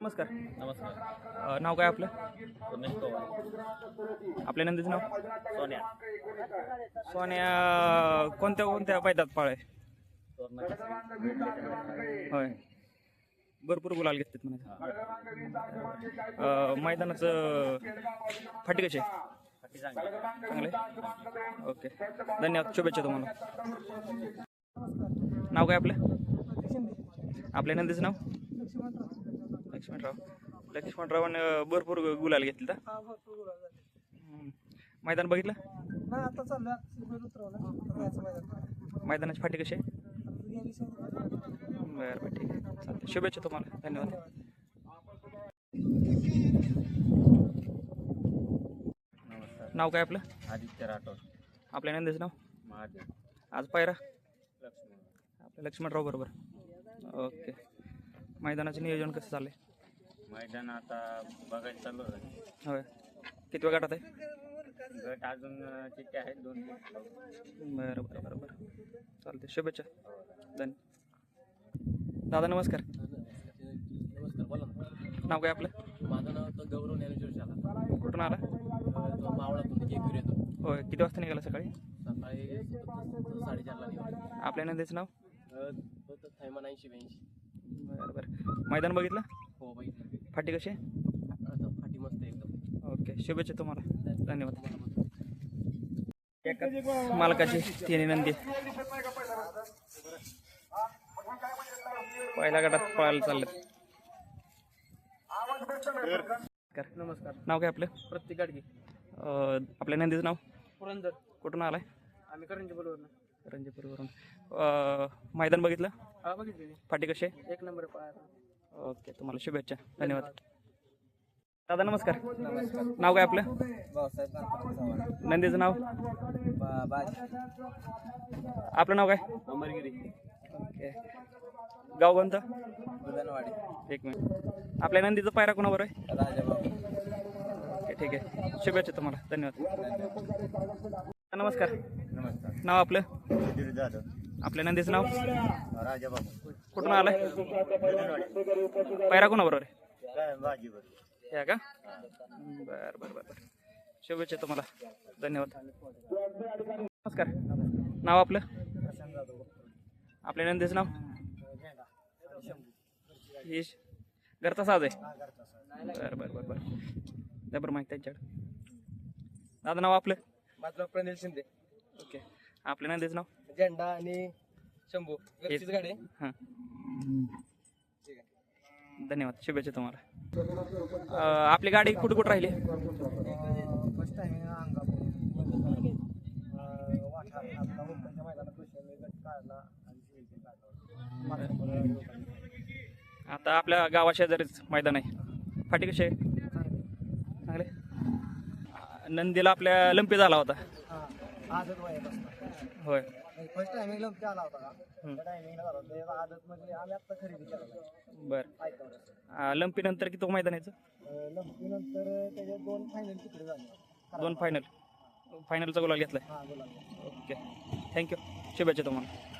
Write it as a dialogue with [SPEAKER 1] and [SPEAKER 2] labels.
[SPEAKER 1] नमस्कार.
[SPEAKER 2] नमस्कार.
[SPEAKER 1] नाव काय आपलं?
[SPEAKER 2] उमेश पवार.
[SPEAKER 1] आपल्या नंदीचं नाव?
[SPEAKER 2] सोन्या.
[SPEAKER 1] सोन्या कोणत्या कोणत्या मैदानात पाळ आहे? होय, भरपूर गुलाल घेतात म्हणायचं. मैदानाचं फाटी कशी आहे?
[SPEAKER 2] फाटी चांगली.
[SPEAKER 1] चांगले. ओके, धन्यवाद, शुभेच्छा तुम्हाला. नाव काय आपलं? आपल्या नंदीचं नाव? लक्ष्मणरावांनी भरपूर गुलाल घेतले का? मैदान बघितलं?
[SPEAKER 3] आता चाललं
[SPEAKER 1] मैदानाची फाटी कशी आहे? बरं बरं, ठीक आहे, चालतं. शुभेच्छा तुम्हाला, धन्यवाद.
[SPEAKER 2] नमस्कार.
[SPEAKER 1] नाव काय आपलं?
[SPEAKER 2] आदित्य राठोड.
[SPEAKER 1] आपल्या नंदीचं नाव?
[SPEAKER 2] महादेव.
[SPEAKER 1] आज पायरा
[SPEAKER 2] लक्ष्मण.
[SPEAKER 1] आपल्या लक्ष्मणराव बरोबर. ओके, मैदानाचं नियोजन कसं चाललंय?
[SPEAKER 2] मैदान आता बघायला चालू आहे.
[SPEAKER 1] होय, किती वेळ गाठात आहे?
[SPEAKER 2] गट अजून चिठ्ठ्या आहेत 2.
[SPEAKER 1] बरं बरं बरं बरं, चालते. शुभेच्छा, धन्यवाद. दादा नमस्कार.
[SPEAKER 4] नमस्कार, बोला ना.
[SPEAKER 1] नाव काय आपलं?
[SPEAKER 4] माझं नाव तर गौरव ज्ञानेश्वर शाला.
[SPEAKER 1] कुठून आला?
[SPEAKER 4] मावळातून जेकूर येतो.
[SPEAKER 1] होय, किती वाजता निघाला सकाळी?
[SPEAKER 4] सकाळी 4:30ला निघालो.
[SPEAKER 1] आपल्या नंदीचं नाव?
[SPEAKER 4] होतं थैमान 80-82.
[SPEAKER 1] बरं बरं, मैदान बघितलं?
[SPEAKER 4] हो बाई.
[SPEAKER 1] फाटी कशी आहे?
[SPEAKER 4] आता फाटी मस्त एकदम.
[SPEAKER 1] ओके, शुभेच्छा तुम्हाला, धन्यवाद. मालकाची तिन्ही नंदी पहिल्या गटात पळायला चाललेत.
[SPEAKER 3] नमस्कार.
[SPEAKER 1] नाव काय आपलं?
[SPEAKER 3] प्रत्येक गाडगी
[SPEAKER 1] आपल्या नंदीचं नाव?
[SPEAKER 3] पुरंदर.
[SPEAKER 1] कुठून आलाय?
[SPEAKER 3] आम्ही करंजी बरोबर ना.
[SPEAKER 1] रंजीपूरवरून. मैदान बघितलं?
[SPEAKER 3] हा बघितली.
[SPEAKER 1] फाटी कशी आहे?
[SPEAKER 3] 1 नंबर पाहायला.
[SPEAKER 1] ओके, तुम्हाला शुभेच्छा, धन्यवाद. दादा नमस्कार. नाव काय आपलं?
[SPEAKER 3] भाऊसाहेब
[SPEAKER 1] नंदीचं नाव?
[SPEAKER 3] बाजी.
[SPEAKER 1] आपलं नाव काय?
[SPEAKER 2] अमरगिरी.
[SPEAKER 1] ओके, गाव कोणतं?
[SPEAKER 3] बुधनवाडी.
[SPEAKER 1] एक मिनिट. आपल्या नंदीचं पायरा कोणावर आहे?
[SPEAKER 3] राजाबाबू.
[SPEAKER 1] ओके, ठीक आहे, शुभेच्छा तुम्हाला, धन्यवाद. नमस्कार.
[SPEAKER 2] नमस्कार.
[SPEAKER 1] नाव आपलं?
[SPEAKER 2] सुधीर जाधव.
[SPEAKER 1] आपल्या नंदीचं नाव?
[SPEAKER 2] राजाबाबू.
[SPEAKER 1] कुठून आलाय? पायरा कोणाबरोबर आहे?
[SPEAKER 2] काय भाजीवर.
[SPEAKER 1] या का? बरं बरं बरं बरं, शुभेच्छा तुम्हाला, धन्यवाद. नमस्कार. नाव आपलं? आपल्या नंदीचं नाव? ही घरचा साज आहे. बरं बरं बरं बरं, द्या बरं माहिती त्यांच्याकडे. दादा नाव आपलं?
[SPEAKER 3] माझं प्रणिल शिंदे.
[SPEAKER 1] ओके, आपल्या नंदीचं नाव?
[SPEAKER 3] झेंडा आणि शंभू. घरचीच गाडी आहे.
[SPEAKER 1] हां,
[SPEAKER 3] ठीक आहे.
[SPEAKER 1] धन्यवाद, शुभेच्छा तुम्हाला. आपली गाडी कुठे कुठं राहिली?
[SPEAKER 3] फर्स्ट टाइम अंगापूर वाठा आपला मुंबईच्या मैदानात गट काढला आणि
[SPEAKER 1] आता आपल्या गावाशेजारीच मैदान आहे. फाटी कशी आहे? चांगले. नंदीला आपल्या लंपी झाला होता.
[SPEAKER 3] आदत
[SPEAKER 1] होय.
[SPEAKER 3] फर्स्ट टायमिंग लंपी आला होता. टायमिंगला झाला होता आदत म्हणजे आम्ही आत्ता खरेदी केला.
[SPEAKER 1] बरं, लंपी नंतर किती मैदान यायचं?
[SPEAKER 3] लंपी नंतर त्याच्यात 2 फायनल तिकडे झाले.
[SPEAKER 1] 2 फायनलचा गुलाल घेतलाय.
[SPEAKER 3] हां बोला.
[SPEAKER 1] ओके, थँक्यू, शुभेच्छा तुम्हाला.